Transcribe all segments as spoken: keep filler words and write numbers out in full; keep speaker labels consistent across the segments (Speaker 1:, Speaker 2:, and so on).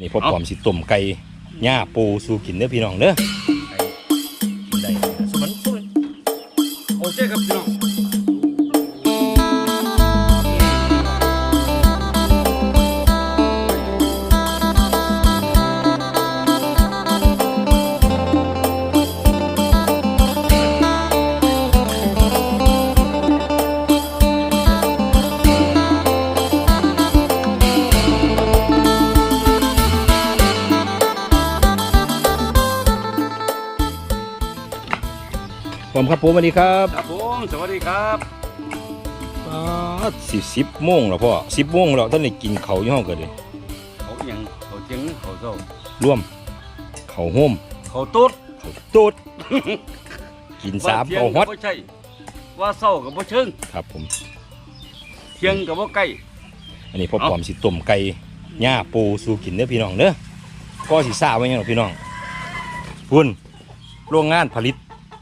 Speaker 1: นี่พอปอมสิต้มไก่ย่าปูสู่กินเด้อพี่น้องเด้อกินได้สมันสุด
Speaker 2: โอเคครับพี่น้อง
Speaker 1: ผมครับผมสวัสดีครับ
Speaker 2: ครับผมสวัสดีครับ
Speaker 1: สิสิบโมงแล้วพ่อสิบโมงแล้วท่านได้กินเขาวยี่ห้อเกิดเลย
Speaker 2: เขาอย่างเขาเจียงเขาเศร้า
Speaker 1: ร่วมเขาโฮม
Speaker 2: เขาตุ๊ด
Speaker 1: เขาตูด กินสาม
Speaker 2: เที่ย
Speaker 1: เขา
Speaker 2: ง
Speaker 1: ฮอต
Speaker 2: ก็ใช่ว่าเศร้ากับว่าเชิง
Speaker 1: ครับผม
Speaker 2: เที่ยงกับว่าใกล้
Speaker 1: อันนี้พอปอมสิต้มไก่ย่าปูสู่กินเด้อพี่น้องเด้อก็สิซ่าไว้ยังหรอพี่น้องพุ่นโรงงานผลิต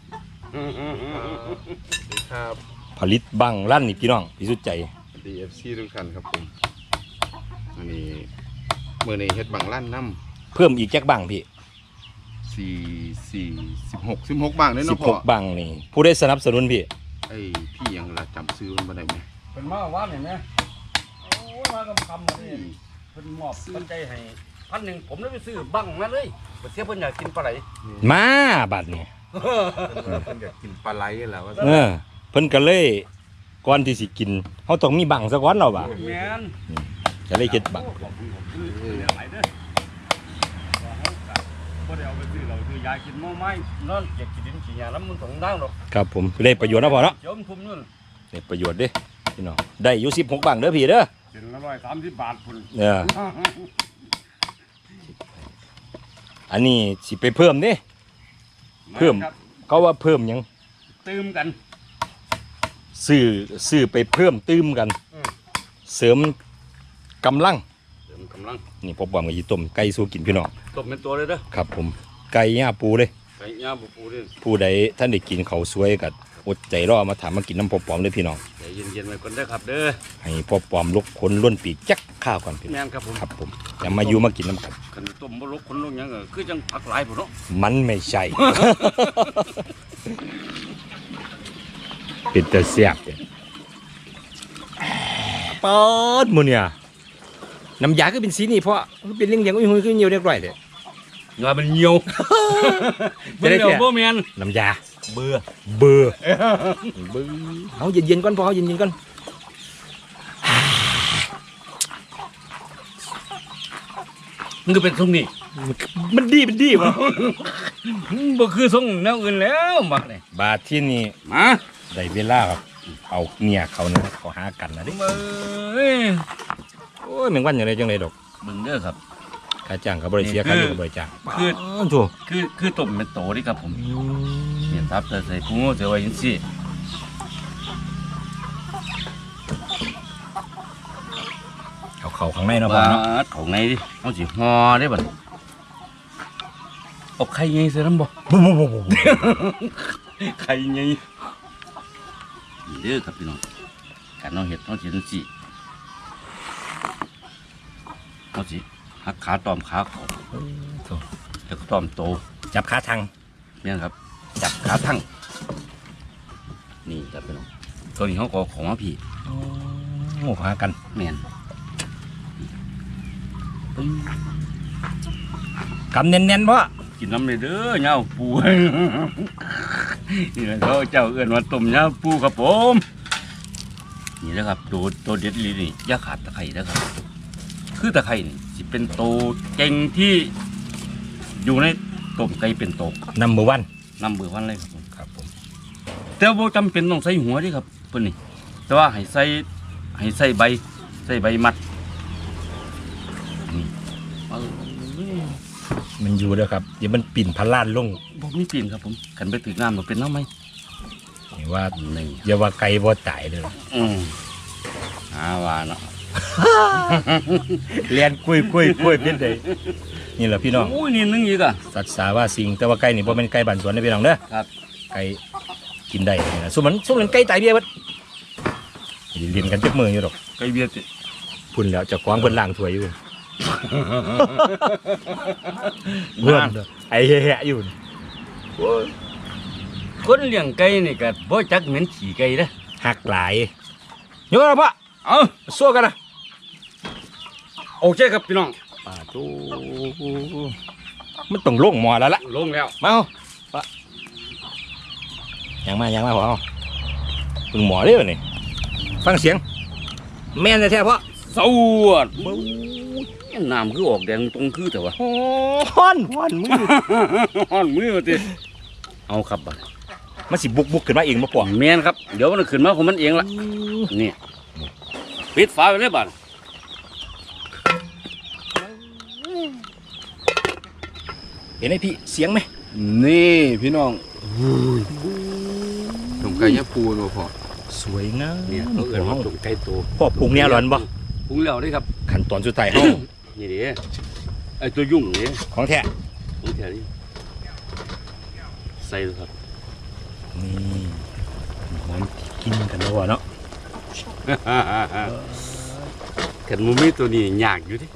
Speaker 3: ครับ
Speaker 1: ผลิตบังลั่นนี่พี่น้องพี่สุดใจ
Speaker 3: ดี เอฟ ซี ทุกท่านครับผมอันนี้เมื่อนี้เฮ็ดบังลั่นน้
Speaker 1: เพิ่มอีกแจ็คบังพี่
Speaker 3: ำสี่สี่สิบหกสิบหกบางเลย
Speaker 1: สิ
Speaker 3: เนาะ
Speaker 1: บ
Speaker 3: พ่
Speaker 1: ห
Speaker 3: อก
Speaker 1: บังนี่ผู้ได้สนับสนุนพี่
Speaker 3: ไอ้พี่ยังละจำซื้อมันมาได้ไหม
Speaker 2: เป็นมาว่านเห็นไหมโอ้ยมากำคำมาเลยเป็นมอบปัจจัยให้พันหนึ่งผมได้ไปซื้อบังมาเลยไปเทียบเพิ่นอยากกินปลาไหล
Speaker 1: มาบัดนี่
Speaker 3: เพิ่นอยากกินปลาไหลแหละว่า
Speaker 1: เออเพิ่นก็เลยก่อนที่สิกินเขาต้องมีบังซะก่อนเนาะบ่า
Speaker 2: แม่น
Speaker 1: จะเลยเฮ็ดบัง
Speaker 2: ขอบคุณขอบคุณเดี๋ยวไหลเด้อว่าเขากะบ่ได้เอาไปซื้อเราคือยายกินหม้อไม้นอนอยากกินดินกินหญ้าแล้วมันสองทางหรอก
Speaker 1: ครับผมได้ประโยชน์นะพ่อเนาะ
Speaker 2: เดี๋ยวมันทุ่มนู่น
Speaker 1: ได้ประโยชน์เด้พี่น้องได้อยู่สิบหกบังเด้อพี่เด้อ
Speaker 2: เป็นละร้อยสามสิบบาทพุ่น
Speaker 1: เอออันนี้สิไปเพิ่มเด้ เพิ่ม
Speaker 2: ครับ
Speaker 1: เขาว่าเพิ่มหยัง
Speaker 2: ตื่มกัน
Speaker 1: ซื้อซื้อไปเพิ่มตื้มกัน
Speaker 2: อืม
Speaker 1: เสริมกำลัง
Speaker 2: เสริมกำลัง
Speaker 1: นี่พอปอมก็สิต้มไก่สู่กินพี่น้อง
Speaker 2: ตบเป็นตัวเลยเด้อ
Speaker 1: ครับผมไก่ย่าปูเลย
Speaker 2: ไก่ย่างปูปูนี่
Speaker 1: ผู้ใดท่านได้กินเขาวสวยกับอดใจรอมาถามมากินน้ำพอปอมเลยพี่น้อง
Speaker 2: ใจเย็นๆไว้ก่อนเด้อครับเด้อ
Speaker 1: ให้พอปอมลุกคนล้วนปีกจักข้าวก่อนพี่น้อง
Speaker 2: แม่นครับผม
Speaker 1: ครับผมอย่ามาอยู่มากินน้ำกัน
Speaker 2: ขันต้มบ่ลกคนลงหยังก็คือจังผักหลายพุ่นเนาะ
Speaker 1: มันไม่ใช่ เป็นแต่เสียบเนี่ยปอดหมูเนี่ยน้ำยาก็เป็นสีนี่เพราะมันเป็นเรื่องอย่างอุ้ยหุ้ยขึ้นเยียวเรียบร้อยเลย
Speaker 2: งามันเหี่ยว
Speaker 1: จะได้
Speaker 2: เหี่ยว
Speaker 1: แค่
Speaker 2: บ่แม่น
Speaker 1: น้ำยาเบื่อเบื่อเบื่อเอาเย็นๆก่อนพอเอาเย็นๆก่อน
Speaker 2: มันก็เป็นทรงนี้
Speaker 1: มันดีมันดีวะ
Speaker 2: บ่คือทรงแนวอื่นแล้วบักนี่
Speaker 1: บาทที่นี่
Speaker 2: มา
Speaker 1: ได้เวลาครับเอาเมียเขานะเขาหากันนะดิ
Speaker 2: เอ้ย
Speaker 1: โอ้ยแมงวันอย่างไรจังไรดอก
Speaker 2: เบิ่งเด้อครับ
Speaker 1: ค่าจ้างกับบริเสียค่าเลี้ยงกับบริจ้าง
Speaker 2: คือ
Speaker 1: อถูก
Speaker 2: คือคือต้มเป็นโตนี่ครับผมเนี่ยทับแต่ใส่กุ้งเสือไว้จังซี่
Speaker 1: เขาเขาข้างในเนาะพ่อ
Speaker 2: ว่า
Speaker 1: เนาะ
Speaker 2: ของในดิเอาสิห่อได้บัดเอาไข่ใหญ่ใส่น้ำบ่
Speaker 1: บุบบุบบุบบุบ
Speaker 2: ไข่ใหญ่นี่เด้อครับพี่น้องการเอาเห็ดเอาสิจังซี่เอาสิหักขาตอมขาเขาแล้วก็ตอมโต
Speaker 1: จับขาทาง
Speaker 2: เนี่ยครับ จับขาทั้งนี่ครับพี่น้องตัวนี้เขาก็ของมาพี่
Speaker 1: โอ้หากัน
Speaker 2: แม่นปึ้ง
Speaker 1: กำเน้นๆเพราะ
Speaker 2: กินน้ำเลยเด้อเหย้าปู นี่แหละเขาเจ้าเอื้อนว่าต้มเหย้าปูครับผมนี่นะครับตัวตัวเด็ดลีนี่อย่าขาดตะไคร้นะครับคือตะไคร้นี่สิเป็นตัวเก่งที่อยู่ในต้มไก่เป็นโต
Speaker 1: นัมเบอร์วัน
Speaker 2: นำเบอร์วันเลยครับผม
Speaker 1: ครับผม
Speaker 2: แต่ว่าจำเป็นต้องใส่หัวเดิครับเพิ่นนี่แต่ว่าให้ใส่ให้ใส่ใบใส่ใบมัดนี่เอา
Speaker 1: มันอยู่เด้อครับเดี๋ยวมันปิ่นพันล้านลง
Speaker 2: บ่มีปีนครับผมขันไปถึงน้ำมันเป็นน้ำไหม
Speaker 1: นี่ว่า
Speaker 2: นี่
Speaker 1: อย่าว่าไก่บ่ตายเลย
Speaker 2: อืมหาว่าเนาะ
Speaker 1: เลียนคุยคุยคุยเป็นไดนี่แหละพี่น้อง
Speaker 2: โอ้ยนี่นึงอีกอ่ะ
Speaker 1: สัตว์สาว่าสิงแต่ว่าไก่นี่บ่เป็นไก่บ้านสวนนะพี่น้องเด้อ
Speaker 2: ครับ
Speaker 1: ไก่กินได้นี่นะสุมันสุมันไก่ตายเบี้ยเบัดเรียนกันจักมืออยู่ดอก
Speaker 2: ไก่เบียดติ
Speaker 1: พุ่นแล้วเจะคว้าของเพิ่นล้างถ้วยอยู่เพื่อนไอ้แหะอยู่
Speaker 2: คนเลี้ยงไก่นี่ก็บ่จักเหม็นขี้ไก่เด้อ
Speaker 1: หักหลายโยนปะ
Speaker 2: เอา
Speaker 1: สู้กันนะ
Speaker 2: โอเคครับพี่น้อง
Speaker 1: ป่าตูมันต้องลงหมอแล้วล่ะ
Speaker 2: ลงแล้ว
Speaker 1: มาเอาปะยังมายังมาพอเอาพึงหมอเด้อนี่ฟังเสียง แม่นแท้ๆเพราะ
Speaker 2: สวดน้ำคือออกแดงตรงคือแต่ว่า
Speaker 1: ฮ้อนฮ้อนมือ
Speaker 2: ฮ้อนมือติเอาครับบัด
Speaker 1: มันสิบุกบุกขึ้นมาเองมาปอก
Speaker 2: แม่นครับเดี๋ยวมันขึ้นมาของมันเองละนี่ปิดฝาไว้เลยบัด
Speaker 1: เห็นไหมพี่เสียงไหม
Speaker 3: นี่พี่น้องต้มไก่ย่างปูเนาะพ่อ
Speaker 1: สวยงาม
Speaker 2: เนี่ยเขาเอิ้นว่าตุ่มไก่โต
Speaker 1: พ่อปรุงเนี่ยร้อนบ่
Speaker 2: ปรุงแล้วเด้ครับ
Speaker 1: ขั้นตอนสุดท้ายเฮา
Speaker 2: นี่เด้ไอ้ตัวยุ่งนี่
Speaker 1: ของแท้
Speaker 2: ของแท้นี่ใส่เลยครับ
Speaker 1: นี่หอมกินกันแล้วเนาะ
Speaker 2: ขันมูมีตัวนี้ยากอยู่ดิ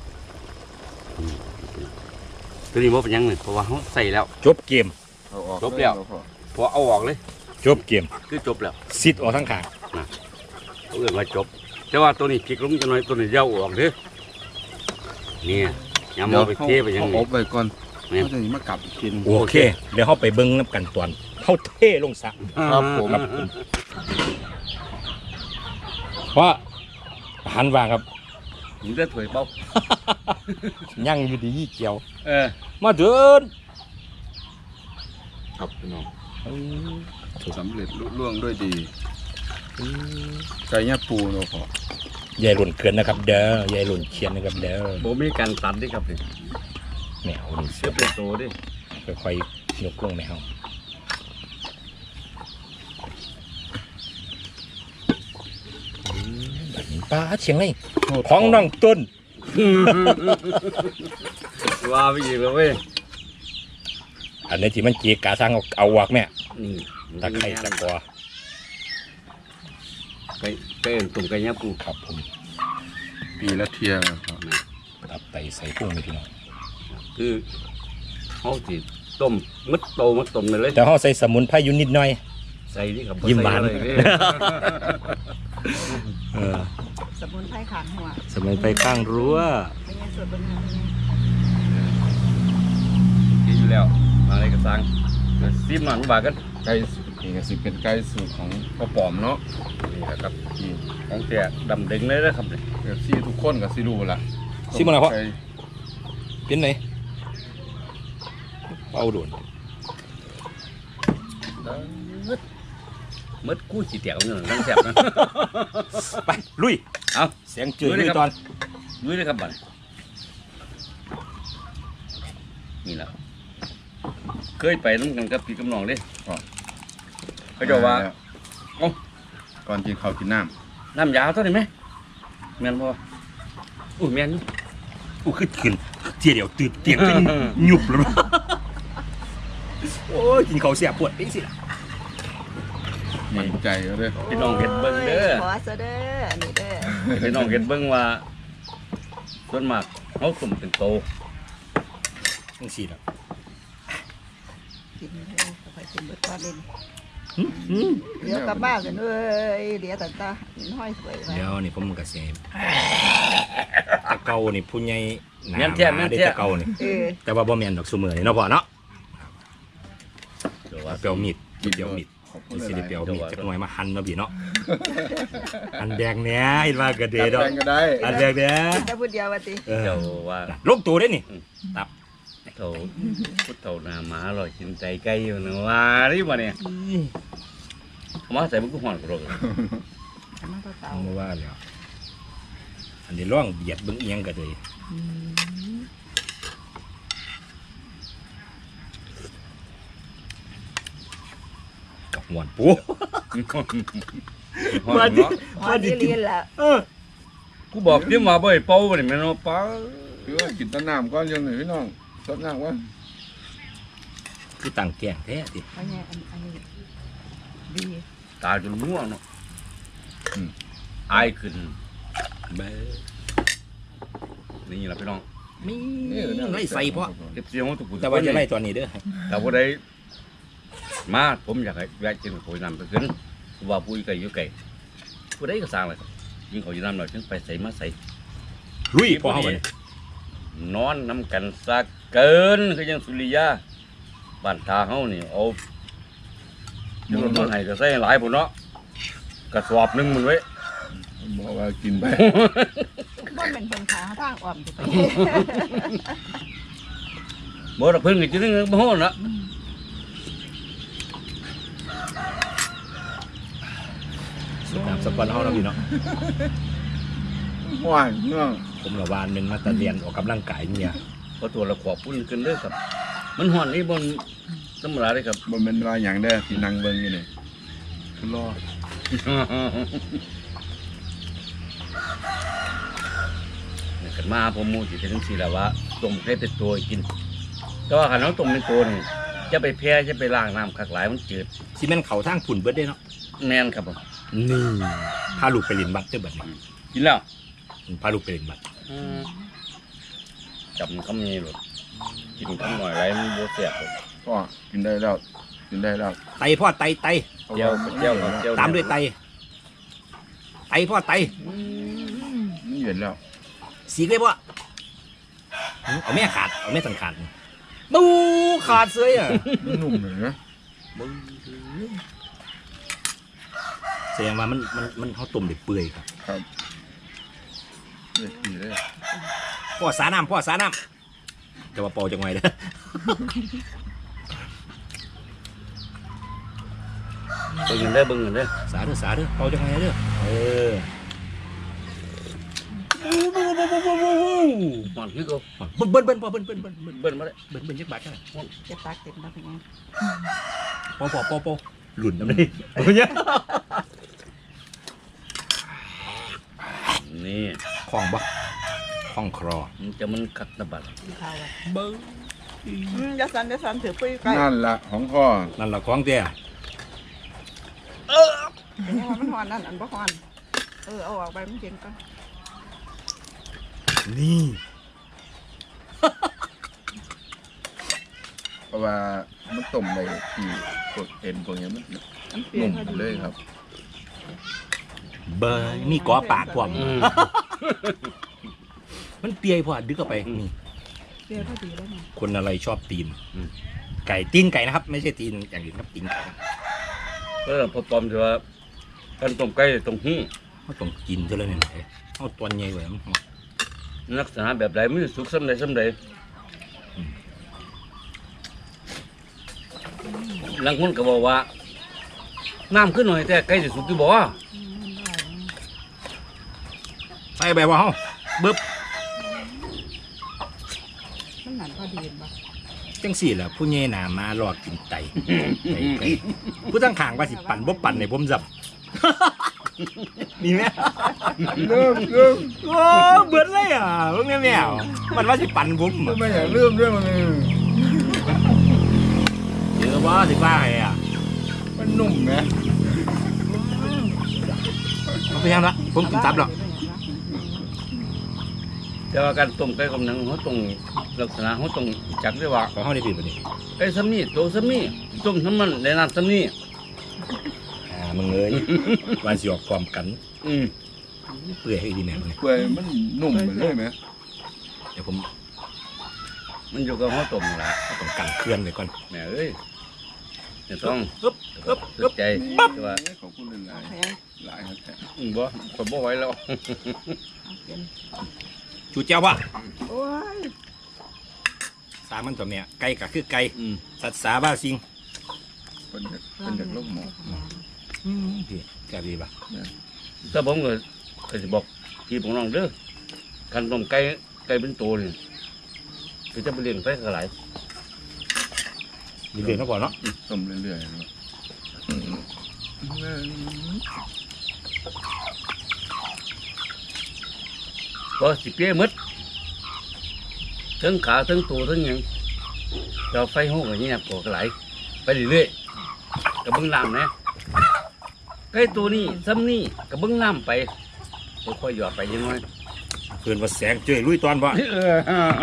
Speaker 2: ตัวนี้บ่เป็นหยังเลยเพราะว่าเขาใส่แล้ว
Speaker 1: จบเกม
Speaker 3: เอาออก
Speaker 2: จบแล้ว
Speaker 3: พ่อ
Speaker 2: พอเอาออกเลย
Speaker 1: จบเกม
Speaker 2: คือจบแล้ว
Speaker 1: ซิดออกทั้งขาง
Speaker 2: เขาเอื่นว่าจบ แต่ว่าตัวนี้พลิกลงจะน้อยตัวนี้เย้าออกเด้อเนี่ยยำเอาไปเทไปยัง
Speaker 3: เอา
Speaker 2: ไง
Speaker 3: อบไว้ก่อน
Speaker 2: เนี่ย
Speaker 3: เขาจะมากลับอีกทีหนึง
Speaker 1: โอเค เดี๋ยวเฮาไปเบิ่งน้ำกันตอนเฮาเทลงสระ
Speaker 3: ครับผม
Speaker 1: ครับผมว่าอาหารว่างครับ
Speaker 2: ผมจะถวยเป้า
Speaker 1: ยังอยู่ดีเกี่ยว
Speaker 2: เออ
Speaker 1: มาเดิน
Speaker 3: ครับพี่น้องสำเร็จลุล่วงด้วยดีไก่ย่างปูเนาะพ่อย
Speaker 1: ายหล่นเกินนะครับ เด้อยายหล่นเขียนนะครับเด้อ
Speaker 2: โบมีการตัดดิครับนี่
Speaker 1: แมวนี่
Speaker 2: เสื้อเป็นโตดิ
Speaker 1: ค่อยๆยกลงแมวแบบนี้ป้าเชียงไรของน้องต้น
Speaker 2: ว่าไปอีกแล้วเว้ย
Speaker 1: อันนี้ที่มันเกียกาสร้างเอาเอาวากแม่
Speaker 2: นี่
Speaker 1: ตะไคร้ตะกอ
Speaker 2: ไก่ไก่เอิ้นตุ่มไก่ยำปู
Speaker 1: ครับผม
Speaker 3: ปีละเทียครับพ่อ
Speaker 1: ตับไตใส่พุ่งนี่พี่น้อง
Speaker 2: คือเขาสิต้มมัดโตมัดต้มไปเลย
Speaker 1: แต่เขาใส่สมุนไพรอยู่นิดหน่อย
Speaker 2: ใส่นี่ครับ
Speaker 1: ยิ้มหวาน
Speaker 2: ใส่อะไรเด้
Speaker 1: เออ
Speaker 4: สมุนไพรขางหัว
Speaker 1: สมุนไพรข้างรั้ว
Speaker 4: เป็นไงสดบนหัวเป็นไง
Speaker 2: กินอยู่แล้วมาอะไรก็สั่งเดี๋ยวซิมหน่อยบาทกัน
Speaker 3: ไก่นี่ก็สิเป็นไก่สูตรของพ่อปอมเนาะ
Speaker 2: นี่นะครับ
Speaker 3: ที่
Speaker 2: ของแท้ดำเด้งเลยนะครับเนี่ย
Speaker 3: เอฟซีทุกคนก็สิรู้ละ
Speaker 1: ซิมอะไรพ่อ
Speaker 3: ไก่
Speaker 1: เป็นไหนเอาโดน
Speaker 2: มัดกู้ขี้เตี๋ยวเนี่ยนั่งแซ่บนะ
Speaker 1: ไปลุย
Speaker 2: เอา
Speaker 1: เสียงจืด
Speaker 2: ลุยเลย
Speaker 1: ลุย
Speaker 2: ครับ
Speaker 1: ตอน
Speaker 2: ดูเลยครับบัดนี่แหละเคยไปน้ำกันกับพี่กำนองเด้เขาจะว่า เอ้า
Speaker 3: ก่อนกินข้าวกินน้
Speaker 2: น้ำยาเท่าไหร่ไหมแม่นบ่อุ้ยแม่นอยู่
Speaker 1: อู้ขึ้นขึ้นเจียเดี๋ยวตื่นเตียงขึ้นหยุบแล้วโอ้ยกินเขาวเสียปวดปิ๊งสิล่ะ
Speaker 3: ำมันใจเอาเลย
Speaker 2: พี่น้องเห็นเบิ่งเด้อ
Speaker 4: ขอซะเด้ออันนี้เด้อ
Speaker 2: พี่น้องเห็นเบิ่งว่าส่วนมากเขาสุ่มเป็นโต
Speaker 1: จังสี่ล่ะ
Speaker 4: กินเด้อค่อยกินเบิดก้อนเล่นเดี๋ยวกลับบ้านกันเอ้ยเดี๋ยวตาตาหินห้อยสวยไว้
Speaker 1: เดี๋ยวนี่ผมกระเสมตะเกานี่ผู้ใหญ่หนา
Speaker 2: แม่นแท้
Speaker 1: มา
Speaker 2: แม่น
Speaker 1: ได้
Speaker 2: แท้
Speaker 1: ตะเกานี่
Speaker 4: เออ
Speaker 1: แต่ว่าบ่แม่นดอกซุมื้อนี่เนาะพ่อเนาะ
Speaker 2: เดี๋ยวว่า
Speaker 1: เปียวมีดเปียวมีด
Speaker 3: ขอบคุ
Speaker 1: มี
Speaker 3: ณ
Speaker 1: สิ
Speaker 3: ห
Speaker 1: ได้
Speaker 3: ลาย
Speaker 1: เปียว
Speaker 3: ๆ
Speaker 1: มีดจักหน่อยมาหั่นเนาะพี่เนาะอันแดงเนี้ยเห็นว่ากระเด
Speaker 3: จัด
Speaker 1: ดอก
Speaker 3: แดงก็ได้
Speaker 1: อันแดงเนี้ย
Speaker 4: จะพูดเดียวว่าติ
Speaker 1: เออ
Speaker 2: เดี๋ยวว่า
Speaker 1: ลงตัวได้นี่
Speaker 2: โถพุทธเถานาหมาอร่อยกินใจไก่อยู่นะว่าดิบ่เนี่ยเขามาใส่มันก็หอนกระโดด
Speaker 4: มาเต่า
Speaker 1: เอามาว่าแล้วอันนี้ร่องเบียดเบิ่งเอียงกันเลยกับหวานปู
Speaker 3: มาดิ
Speaker 4: ๆมาดิเรียนแล้ว
Speaker 1: เออ
Speaker 2: กูบอกเดี๋ยวมาบ่อยเป้าบ่เนี่ยแม่นบ่ป้า
Speaker 3: คือว่ากินแต้นน้ำก้อนยังหนึ่งพี่น้องสดน้ำว่า
Speaker 1: คือต่างแก่งแท้ดิ
Speaker 4: เพราะเนี่ยอันอันนี้ดี
Speaker 2: ตาจนม่วงเนาะอายขึ้น
Speaker 1: เบ้อ
Speaker 2: นี่แหละพี่น้อง
Speaker 1: มีไล่ใส่เพราะ
Speaker 2: เก็บเสียงของทุกคน
Speaker 1: แต่ว่าจะไล่ตอนนี้เด้อ
Speaker 2: แต่ว่าได้มาผมอยากให้แวะกินโผล่น้ำไปขึ้นว่าปุ้ยไก่อยู่ไก่ผู้ใดก็สร้างเลยครับยิงเขาอยู่น้ำหน่อยถึงไปใส่มาใส่
Speaker 1: ลุยพอเข้าไป
Speaker 2: นอนน้ำกันซากเกินคือยังสุริยาบ้านตาเฮานี่เอาจะลดมาให้ก็ใส่หลายพุ่นเนาะกระสอบหนึงมันไว้
Speaker 3: บอกว่ากินไป
Speaker 4: บ่เป็นคนขาทางอ่อมจะไป
Speaker 2: บ่ดอกเพิ่นก็จะนึงบ่ฮู้นะ
Speaker 1: สุดน้ำสปอนเฮาเนาะพี่เนาะ
Speaker 3: ว่านเนาะ
Speaker 1: ผมละวานหนึงมาตะเรียนออกกำลังกายเนี่ย
Speaker 2: พอตัวละขวบพุ่นขึ้นเด้อครับ มันฮ้อนนี่บ่ธรรมดาเด้อครับ
Speaker 3: บ่แม่นว่าหยังได้อที่นั่งเบิ่งอยู่นี่คือรอ
Speaker 2: นี่กันมาผมหมูสิเป็นจังซี่ล่ะว่าต้มให้เป็นตัวกิน แต่ว่าคันเราต้มเป็นตัวนี่จะไปแพ้จะไปล้างน้ำคักหลายมันจืด
Speaker 1: สิแม่นเขาทางผุ่นเบิดได้เนาะ
Speaker 2: แม่นครับผม
Speaker 1: นี่พาลูกไปเรียนบัตรเด้อบัดนี้
Speaker 2: กินแล้ว
Speaker 1: พาลูกไปเรียนบัตร
Speaker 2: จับคำนี้หรอกกินคำหน่อยไรมันบ่แซ่บหรอก
Speaker 3: ก็กินได้แล้วกินได้แล้ว
Speaker 1: ไตพ่อไตไต
Speaker 2: เจียวเจียวครับเจียว
Speaker 1: ตามด้วยไตไตพ่อไต
Speaker 3: นี่เห็นแล้ว
Speaker 1: สีกเลยพ่อเอาแม่ขาดเอาแม่สังขาดบูขาดเสยอ่ะ
Speaker 3: มันนุ่มเลยนะ
Speaker 1: แสดงว่ามันมันมันเขาต้มเด็ดเปื่อยครับ
Speaker 3: ครับเด็ดดีเลย
Speaker 1: พ่อสาน้ำพ่อสาน้ำจะว่าปอจังไงเด้อ
Speaker 2: เบิ่งกันเด้อเบิ่งกันเด้อ
Speaker 1: สาเด้อสาเด้อปอจังไงเด้อเออ
Speaker 2: หอนคือเขา
Speaker 1: เบิ้ลเบิ้ลเบิ้ลพ่อเบิ้ลเบิ้ลเบิ้ลเบิ้ล
Speaker 2: เบิ่นมาเลย
Speaker 1: เบิ้ลเบิ้ลยักบาทใช่ไหม
Speaker 4: เจ็บปากเจ็บมาเป็นไง
Speaker 1: ปอปอปอปอหลุนน้ำนี่เบิ้ลเนี่ย
Speaker 2: นี่
Speaker 1: คล้องบ่คล้องครอ
Speaker 2: มันจะมันคักตะบัด
Speaker 4: กินข้าวอ่ะ
Speaker 1: เบิ้ล
Speaker 4: อืมอย่าสั่นอย่าสั่นถือปุ้ยไก่
Speaker 3: นั่นละของพ่อ
Speaker 1: นั่นละคล้องเตี้ย
Speaker 4: เป็นยังไงมันหอนนั่นอันบ่หอนเออเอาออกไปมันเย็นก่อน
Speaker 1: นี่
Speaker 3: เพราะว่ามันต้มในที่พวกเอ็นพวกนี้มัน
Speaker 4: มันเปลี่ย
Speaker 3: นุ่
Speaker 4: น
Speaker 3: ม
Speaker 4: พอดี
Speaker 3: เลยครับ
Speaker 1: เบิ้ลมีกอปากพร้อม
Speaker 2: อืม
Speaker 1: มันเปียพอดึกเข้าไปนี่
Speaker 4: เปลี่ยนพอดีแล้วไง
Speaker 1: คนอะไรชอบตีนไก่ตีนไก่นะครับ ไม่ใช่ตีนอย่างอื่นครับตีนไก่
Speaker 2: แล้วพอปลอมจะว่ากันต้มไก่ตรงหู้
Speaker 1: เขาต้องกินเท่านั้นเองเอาตัวใหญ่ไว้มัน
Speaker 2: ลักษณะแบบใดมันสุกซ้ำใดซ้ำใดหลังคนก็บอกว่าน้ำขึ้นหน่อยแต่ไก่จะสุกที่บ่
Speaker 4: อืมได้
Speaker 1: ใส่แบบว่าเฮาบึ๊บ
Speaker 4: มันหนันพอดีป่ะ
Speaker 1: จังสี่แหละผู้ใหญ่หนามารอกินไตไก่ไก่ผู้ตั้งขางว่าสิปั่นบ่ปั่นในผมจับ มีไหม
Speaker 3: เริ่มเริ่ม
Speaker 1: โอ้เบิดเลยอ่ะเพิ่งแม่แมวมันว่าสิปั่นผม
Speaker 3: ไม่อยากเริ่มเรื่องมันเลย
Speaker 1: เจอว่าสิว่าไงอ่ะ
Speaker 3: มันนุ่มนะ
Speaker 1: มันไปยังละผมกินตับแล้ว
Speaker 2: แต่ว่าการต้มไก่กับหนังเขาต้องลักษณะเขาต้องจักได้ว่า
Speaker 1: ขอเฮาได้ผิดบ่นี่
Speaker 2: ไก่ซ้ำนี่โตซ้ำนี่ต้มน้ำมันในน้ำซ้ำนี่
Speaker 1: อ่ามึงเอ้ยวันสิออกพร้อมกัน
Speaker 2: อืม
Speaker 1: เปื่อยให้ดีแน่เลย
Speaker 3: เปื่อยมันนุ่มไปเลยไหม
Speaker 1: เดี๋ยวผม
Speaker 2: มันอยู่กับเขาต้มนั่นล่ะ
Speaker 1: ต้องกันเคลื่อนไว้ก่อน
Speaker 2: แม่เอ้ยจะต้อง
Speaker 1: ปึ๊บปึ๊บ
Speaker 2: สุ
Speaker 1: ปึ๊
Speaker 2: ด
Speaker 1: บ
Speaker 2: ใจแต่ว่า
Speaker 3: ขอบคุณหลาย
Speaker 4: แพง
Speaker 3: ๆหลายครับแท้
Speaker 2: อืมบ่คนบ่ไหวแล้ว
Speaker 4: เอาเป็น
Speaker 1: จูเจ้าว่ะ
Speaker 4: โอ้ย
Speaker 1: สามันตัวเนี้ยไก่ก็คือไก่
Speaker 2: อืม
Speaker 1: สัตว์สาบ้าสิง
Speaker 3: เป็นจากเป็นจากโลกหมอ
Speaker 1: อืมพี่แกดีป่ะ
Speaker 2: ถ้าผมก็ก็จะบอกพี่ผมน้องเด้อการต้มไก่ไก่เป็นตัวนี่คือจะไปเลี้ยงไก่กระไร
Speaker 1: ดีเด่นก็พอเนาะ
Speaker 3: ต้มเรื่อยๆเนาะอืม
Speaker 2: ก็สิเปี้ยหมดทั้งขาทั้งตัวทั้งหยังเราไฟห้องอย่างเงี้ยปวดกระไรไปเรื่อยๆกับเบิ้งน้ำนะไก่ตัวนี้ซ้ำนี่กับเบิ้งน้ำไปค่อยๆหยอดไปยังไง
Speaker 1: เพิ่นว่าแสงเจ้ยลุยตอนบ่
Speaker 2: เออ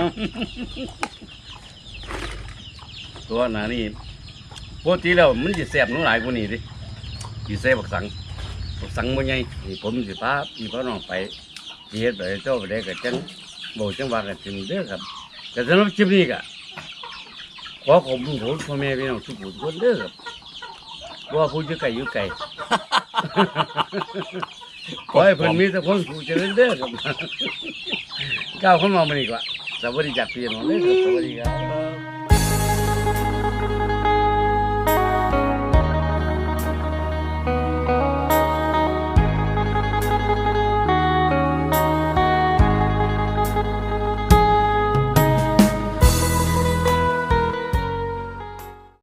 Speaker 2: ตัวหนานี่ปกติแล้วมันจะแสบหนูหลายกว่านี้ดิสิแสบบักสังบักสังบ่ใหญ่นี่ผมสิพาพี่พ่อน้องไปสิเฮ็ดไปเจ้าไปได้ก็จังบ่จังว่ากันถึงเด้อครับแต่สำหรับคลิปนี้ก็ขอขอบคุณผมพ่อแม่พี่น้องทุกผู้ทุกคนเด้อครับว่าผู้อยู่ไกลอยู่ไกล ขอให้เพิ่นมีแต่คนผู้เจริญเด้อครับ ก้าวเข้ามามื้อนี้ก็สวัสดีจากพี่น้องเด้อครับสวัสดีครับ